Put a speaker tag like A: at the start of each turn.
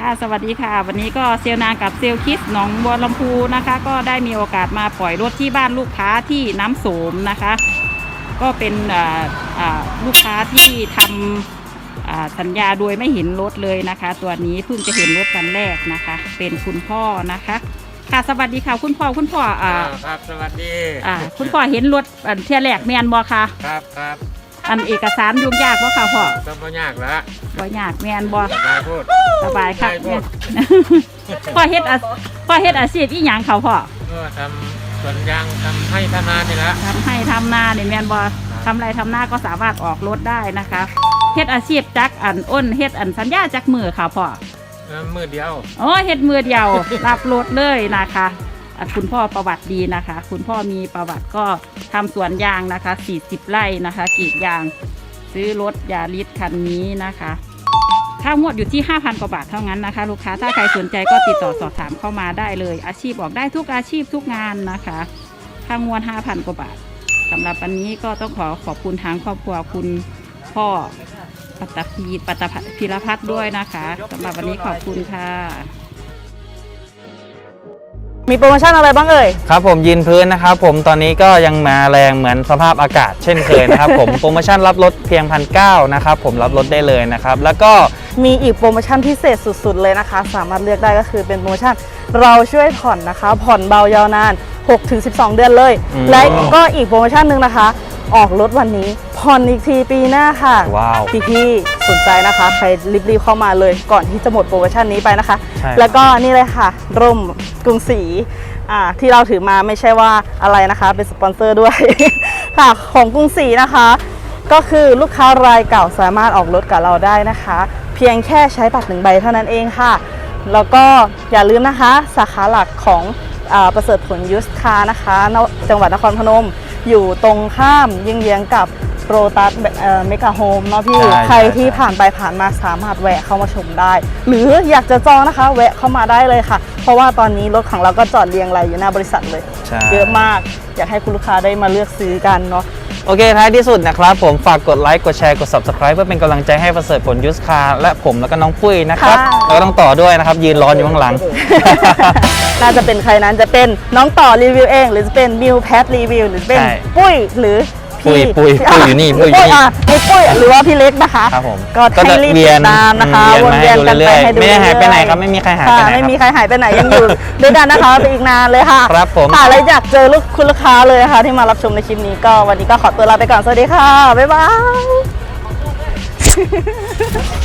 A: ค่ะสวัสดีค่ะวันนี้ก็เซลนางกับเซลคิสหนองบัวลำพูนะคะก็ได้มีโอกาสมาปล่อยรถที่บ้านลูกค้าที่น้ำโสมนะคะก็เป็นลูกค้าที่ทำสัญญาโดยไม่เห็นรถเลยนะคะตัวนี้เพิ่งจะเห็นรถวันแรกนะคะเป็นคุณพ่อนะคะค่ะสวัสดีค่ะคุณพ่อ
B: ครับสวัสดี
A: คุณพ่อเห็นรถเที่ยแรกแมนบอค่ะ
B: ครับ
A: อันเอกสารยุ่งยากบ่ค่ะพ่อ
B: ก็บ่ยากละ
A: บ่ยากแมนบอ
B: สบายพูด
A: สบายค่ะพ่อเฮ็ดอาชีพอีหยังเขาพ่อ
B: ก็ทำสวนยางทำให้ทำนานี่ละ
A: ทำให้ทำนาเนี่ยแมนบอทำไรทำนาก็สามารถออกรถได้นะคะเฮ็ดอาชีพจักอ้นเฮ็ดสัญญาจักมือค่ะพ่อ
B: มือเดียว
A: อ๋อเฮ็ดมือเดียวรับรถเลยนะคะคุณพ่อประวัติดีนะคะคุณพ่อมีประวัติก็ทำสวนยางนะคะ40 ไร่นะคะกรีดยางซื้อรถยาริสคันนี้นะคะค่างวดอยู่ที่ 5,000 กว่าบาทเท่านั้นนะคะลูกค้าถ้าใครสนใจก็ติดต่อสอบถามเข้ามาได้เลยอาชีพออกได้ทุกอาชีพทุกงานนะคะค่างวด 5,000 กว่าบาทสำหรับวันนี้ก็ต้องขอบคุณทางครอบครัวคุณพ่อปัตพีรพัฒน์ด้วยนะคะสำหรับวันนี้ขอบคุณค่ะ
C: มีโปรโมชั่นอะไรบ้างเอ่ย
D: ครับผมยืนพื้นนะครับผมตอนนี้ก็ยังมาแรงเหมือนสภาพอากาศเช่นเคยนะครับผมโปรโมชั่นรับรถเพียง 1,900 นะครับผมรับรถได้เลยนะครับแล้วก็
C: มีอีกโปรโมชั่นพิเศษสุดๆเลยนะคะสามารถเลือกได้ก็คือเป็นโปรโมชั่นเราช่วยผ่อนนะคะผ่อนเบายาวนาน 6-12 เดือนเลยและก็อีกโปรโมชั่นหนึ่งนะคะออกรถวันนี้ผ่อนอีกทีปีหน้าค่ะ
D: ว้าว
C: พี่สนใจนะคะใครรีบๆเข้ามาเลยก่อนที่จะหมดโปรโมชั่นนี้ไปนะคะแล้วก็นี่เลยค่ะร่มกรุงศรีที่เราถือมาไม่ใช่ว่าอะไรนะคะเป็นสปอนเซอร์ด้วย ค่ะของกรุงศรีนะคะก็คือลูกค้ารายเก่าสามารถออกรถกับเราได้นะคะเพียงแค่ใช้บัตร1 ใบเท่านั้นเองค่ะแล้วก็อย่าลืมนะคะสาขาหลักของประเสริฐผลยูสคาร์นะคะจังหวัดนครพนมอยู่ตรงข้ามเยื้องกับโรตัสเมกะโฮมเนาะพี่ใครที่ผ่านไปผ่านมาสามารถแวะเข้ามาชมได้หรืออยากจะจองนะคะแวะเข้ามาได้เลยค่ะเพราะว่าตอนนี้รถของเราก็จอดเรียงรายอยู่หน้าบริษัทเลยเยอะมากอยากให้คุณลูกค้าได้มาเลือกซื้อกันเนาะ
D: โอเคท้ายที่สุดนะครับผมฝากกดไลค์กดแชร์กด Subscribe เพื่อเป็นกำลังใจให้ประเสริฐผลยูสคาร์และผมแล้วก็น้องปุ้ยนะครับแล้วก็ต้องต่อด้วยนะครับยืนรออยู่ข้างหลัง
C: น่าจะเป็นใครนั้นจะเป็นน้องต่อรีวิวเองหรือจะเป็นมิวแพทรีวิวหรือเป็นปุ้ยหรือ
D: ปุ้ยอยู่นี่ปุ้ย
C: หรือว่าพี่เล็กนะคะ
D: ครับผม
C: ก็ให้รีบติดตามนะคะวนเวียนกันไปให้ดู
D: ไม่หายไปไหนครับไม่มีใครหายไปไหน
C: ไม่มีใครหายไปไหนยังอยู่ด้วยกันนะคะไปอีกนานเลยค่ะ
D: ครับผม
C: ค่ะแล้วอยากเจอคุณลูกค้าเลยค่ะที่มารับชมในคลิปนี้ก็วันนี้ก็ขอตัวลาไปก่อนสวัสดีค่ะบ๊ายบาย